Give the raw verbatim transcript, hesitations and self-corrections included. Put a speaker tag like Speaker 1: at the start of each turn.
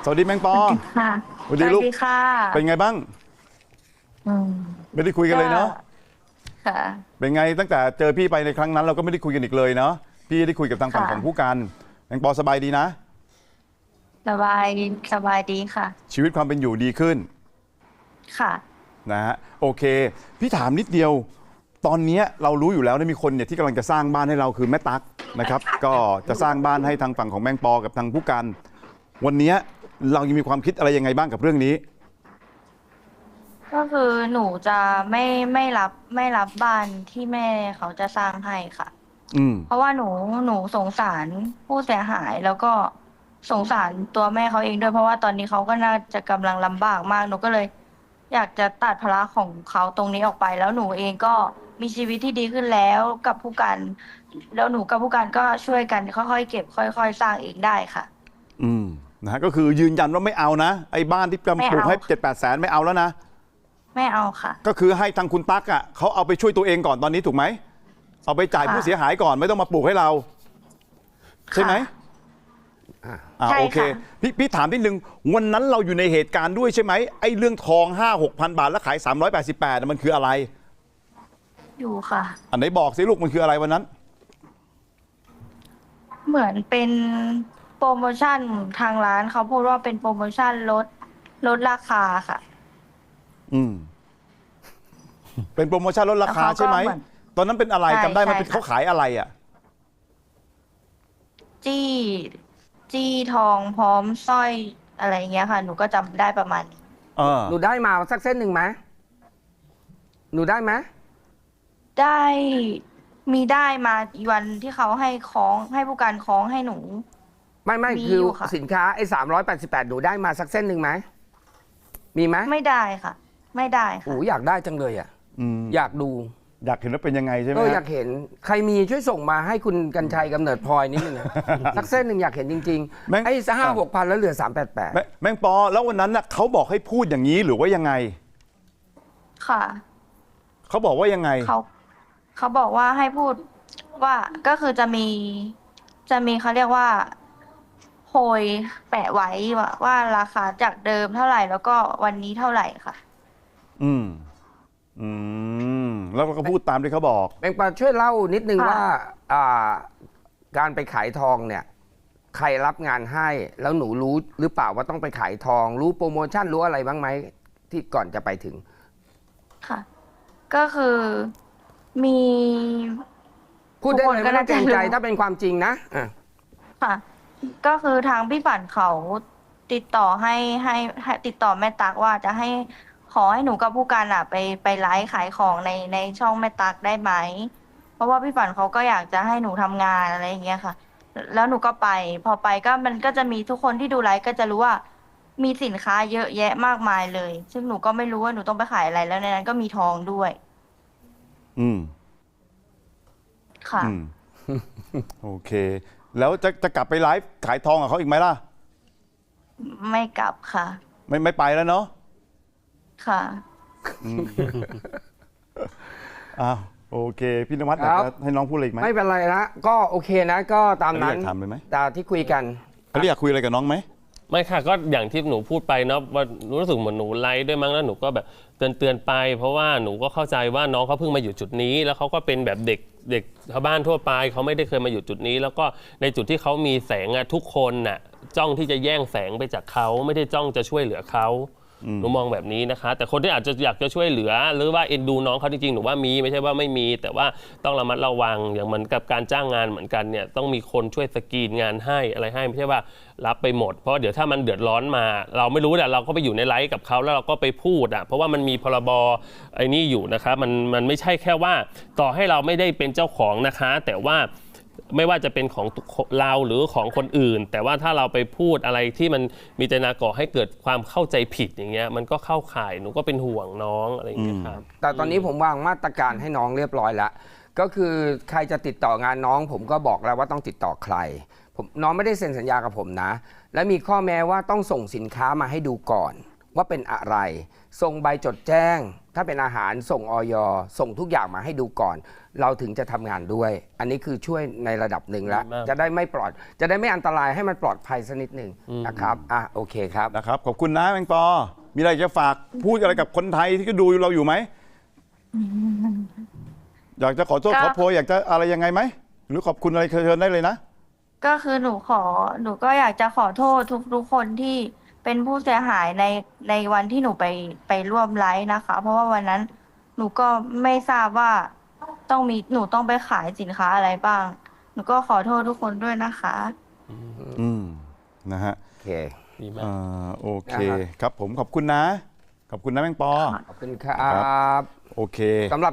Speaker 1: สวัสดีแมงปอ
Speaker 2: ค่ะ
Speaker 1: สวัสดีลูก
Speaker 2: ค่ะ
Speaker 1: เป็นไงบ้าง
Speaker 2: อืม
Speaker 1: ไม่ได้คุยกันเลยเนาะ
Speaker 2: ค่ะ
Speaker 1: เป็นไงตั้งแต่เจอพี่ไปในครั้งนั้นเราก็ไม่ได้คุยกันอีกเลยเนาะพี่ได้คุยกับทางฝั่ง
Speaker 2: ค่ะ
Speaker 1: ของผู้การแมงปอสบายดีนะ
Speaker 2: สบายสบายดีค่ะ
Speaker 1: ชีวิตความเป็นอยู่ดีขึ้น
Speaker 2: ค่ะ
Speaker 1: นะฮะโอเคพี่ถามนิดเดียวตอนนี้เรารู้อยู่แล้วนะมีคนเนี่ยที่กำลังจะสร้างบ้านให้เราคือแม่ตั๊กนะครับก็จะสร้างบ้านให้ทางฝั่งของแมงปอกับทางผู้การวันนี้เรายังมีความคิดอะไรยังไงบ้างกับเรื่องนี้
Speaker 2: ก็คือหนูจะไม่ไม่รับไม่รับบ้านที่แม่เขาจะสร้างให้ค่ะ
Speaker 1: อืม
Speaker 2: เพราะว่าหนูหนูสงสารผู้เสียหายแล้วก็สงสารตัวแม่เขาเองด้วยเพราะว่าตอนนี้เขาก็น่าจะกำลังลำบากมากหนูก็เลยอยากจะตัดภาระของเขาตรงนี้ออกไปแล้วหนูเองก็มีชีวิตที่ดีขึ้นแล้วกับผู้การแล้วหนูกับผู้การก็ช่วยกันค่อยๆเก็บค่อยๆสร้างเองได้ค่ะ
Speaker 1: อืมนะฮะก็คือยืนยันว่าไม่เอานะไอ้บ้านที่กำลังปลูกให้เจ็ดแปดแสนไม่เอาแล้วนะ
Speaker 2: ไม่เอาค่ะ
Speaker 1: ก็คือให้ทางคุณตั๊กอ่ะเขาเอาไปช่วยตัวเองก่อนตอนนี้ถูกไหมเอาไปจ่ายผู้เสียหายก่อนไม่ต้องมาปลูกให้เราใช่ไหมอ่าโอเคพี่พี่ถามนิดนึงวันนั้นเราอยู่ในเหตุการณ์ด้วยใช่ไหมไอ้เรื่องทองห้าหกพันบาทแล้วขายสามร้อยแปดสิบแปดมันคืออะไร
Speaker 2: อยู่ค่ะ
Speaker 1: อันไหนบอกสิลูกมันคืออะไรวันนั้น
Speaker 2: เหมือนเป็นโปรโมชั่นทางร้านเขาพูดว่าเป็นโปรโมชั่นลดลดราคาค่ะ
Speaker 1: อืมเป็นโปรโมชั่นลดราคาใช่ไหมตอนนั้นเป็นอะไรจำได้ไหมเป็นเขาขายอะไรอ่ะ
Speaker 2: จี้จี้ทองพร้อมสร้อยอะไรเงี้ยค่ะหนูก็จำได้ประมาณนี้
Speaker 1: เออ
Speaker 3: หนูได้มาสักเส้นหนึ่งไหมหนูได้ไหม
Speaker 2: ได้มีได้มาอีวันที่เขาให้คล้องให้ผู้การคล้องให้หนู
Speaker 3: ไม่ไม่
Speaker 2: มี
Speaker 3: คือ
Speaker 2: อยู่ค่ะ
Speaker 3: สินค้าไอ้สามร้อยแปดสิบแปดหนูได้มาสักเส้นหนึ่งไหมมีไหม
Speaker 2: ไม่ได้ค่ะ ไม่ได้
Speaker 3: โอ้
Speaker 2: ค่ะ
Speaker 3: อยากได้จังเลยอ่ะ
Speaker 1: อืม
Speaker 3: อยากดู
Speaker 1: อยากเห็นว่าเป็นยังไงใช่ไหม
Speaker 3: เอออยากเห็นใครมีช่วยส่งมาให้คุณกัญชัยกำเนิดพลอยนิดนึงนะ สักเส้นหนึ่งอยากเห็นจริงๆไอ้ห้าหกพันแล้วเหลือสามแปดแปด
Speaker 1: แมงปอแล้ววันนั้นน่ะเขาบอกให้พูดอย่างนี้หรือว่ายังไง
Speaker 2: ค่ะ
Speaker 1: เขาบอกว่ายังไง
Speaker 2: เขาเขาบอกว่าให้พูดว่าก็คือจะมีจะมีเขาเรียกว่าโพยแปะไว้ว่าว่าราคาจากเดิมเท่าไหร่แล้วก็วันนี้เท่าไหร่ค่ะ
Speaker 1: อืมอืมแล้วก็พูดตามที่เขาบอก
Speaker 3: แมงปอช่วยเล่านิดนึง
Speaker 2: ค่ะ
Speaker 3: ว่าอ่าการไปขายทองเนี่ยใครรับงานให้แล้วหนูรู้หรือเปล่าว่าต้องไปขายทอง รู้โปรโมชั่นรู้อะไรบ้างไหมที่ก่อนจะไปถึง
Speaker 2: ค่ะ ก็คือมี
Speaker 3: พูดได้เลย
Speaker 2: ทุกคนก็
Speaker 3: ไม่ต้องเกรงใจ
Speaker 2: น่าจะรู้
Speaker 3: ถ้าเป็นความจริงนะอ่ะ
Speaker 2: ค่ะ ก็คือทางพี่ฝันเขาติดต่อให้ให้ให้ติดต่อแม่ตักว่าจะให้ขอให้หนูกับผู้การอ่ะไปไปไลฟ์ขายของในในช่องแม่ตักได้ไหมเพราะว่าพี่ฝันเขาก็อยากจะให้หนูทำงานอะไรอย่างเงี้ยค่ะ แล้วหนูก็ไป พอไปก็มันก็จะมีทุกคนที่ดูไลฟ์ก็จะรู้ว่ามีสินค้าเยอะแยะมากมายเลย ซึ่งหนูก็ไม่รู้ว่าหนูต้องไปขายอะไรแล้วในนั้นก็มีทองด้วย
Speaker 1: อืม
Speaker 2: ค่ะ
Speaker 1: อืมโอเค แล้วจะจะกลับไปไลฟ์ขายทองกับเขาอีกไหมล่ะ
Speaker 2: ไม่กลับค่ะ
Speaker 1: ไม่ไม่ไปแล้วเนาะ
Speaker 2: ค่ะ
Speaker 1: อ้าวโอเคพี่นวัดอยากจะให้น้องพูดอะไรอีกไหม
Speaker 3: ไม่เป็นไรนะก็โอเคนะก็ตามนั้น
Speaker 1: อยากถามเลยไหม
Speaker 3: ตามที่คุยกัน
Speaker 1: เขาอยากคุยอะไรกับน้องไหม
Speaker 4: ไม่ค่ะก็อย่างที่หนูพูดไปเนาะว่ารู้สึกเหมือนหนูไลฟ์ด้วยมั้งแล้วหนูก็แบบเตือนเตือนไป เพราะว่าหนูก็เข้าใจว่าน้องเขาเพิ่งมาอยู่จุดนี้แล้วเขาก็เป็นแบบเด็กเด็กชาวบ้านทั่วไปเขาไม่ได้เคยมาอยู่จุดนี้ แล้วก็ในจุดที่เขามีแสงอะทุกคนน่ะจ้องที่จะแย่งแสงไปจากเขาไม่ได้จ้องจะช่วยเหลือเขาหนูมองแบบนี้นะคะแต่คนที่อาจจะอยากจะช่วยเหลือหรือว่าเอ็นดูน้องเขาจริงๆหนูว่ามีไม่ใช่ว่าไม่มีแต่ว่าต้องระมัดระวังอย่างเหมือนกับการจ้างงานเหมือนกันเนี่ยต้องมีคนช่วยสกรีนงานให้อะไรให้ไม่ใช่ว่ารับไปหมดเพราะเดี๋ยวถ้ามันเดือดร้อนมาเราไม่รู้แต่เราก็ไปอยู่ในไลฟ์กับเขาแล้วเราก็ไปพูดอ่ะเพราะว่ามันมีพรบไอ้นี่อยู่นะคะมันมันไม่ใช่แค่ว่าต่อให้เราไม่ได้เป็นเจ้าของนะคะแต่ว่าไม่ว่าจะเป็นของเราหรือของคนอื่นแต่ว่าถ้าเราไปพูดอะไรที่มันมีเจตนาก่อให้เกิดความเข้าใจผิดอย่างเงี้ยมันก็เข้าข่ายหนูก็เป็นห่วงน้องอะไรอย่างเงี้ยครับ
Speaker 3: แต่ตอนนี้ผมวางมาตรการให้น้องเรียบร้อยแล้วก็คือใครจะติดต่องานน้องผมก็บอกแล้วว่าต้องติดต่อใครผมน้องไม่ได้เซ็นสัญญากับผมนะและมีข้อแม้ว่าต้องส่งสินค้ามาให้ดูก่อนว่าเป็นอะไร ส่งใบจดแจ้ง ถ้าเป็นอาหารส่งออยส่งทุกอย่างมาให้ดูก่อน เราถึงจะทำงานด้วย อันนี้คือช่วยในระดับหนึ่งแล้ว
Speaker 4: ดีมาก
Speaker 3: จะได้ไม่ปลอด จะได้ไม่อันตรายให้มันปลอดภัยสักนิดหนึ่งนะครับอ่ะโอเคครับ
Speaker 1: นะครับขอบคุณนะแมงปอ มีอะไรจะฝากพูดอะไรกับคนไทยที่ก็ดูเราอยู่ไหม อยากจะขอโทษ
Speaker 2: ก็
Speaker 1: ขอโพยอยากจะอะไรยังไงไหมหรือขอบคุณอะไรเชิญได้เลยนะ
Speaker 2: ก็คือหนูขอหนูก็อยากจะขอโทษทุกทุกคนที่เป็นผู้เสียหายในในวันที่หนูไปไปร่วมไลฟ์นะคะ เพราะว่าวันนั้นหนูก็ไม่ทราบว่าต้องมีหนูต้องไปขายสินค้าอะไรบ้าง หนูก็ขอโทษทุกคนด้วยนะคะ
Speaker 1: อืมนะฮะ
Speaker 3: โอเค
Speaker 4: ดีมาก
Speaker 1: อ่าโอเค
Speaker 3: นะครับ
Speaker 1: ครับผมขอบคุณนะ ขอบคุณนะแมงปอ
Speaker 3: ขอบคุณครับ
Speaker 1: โอเค
Speaker 3: สำหรับ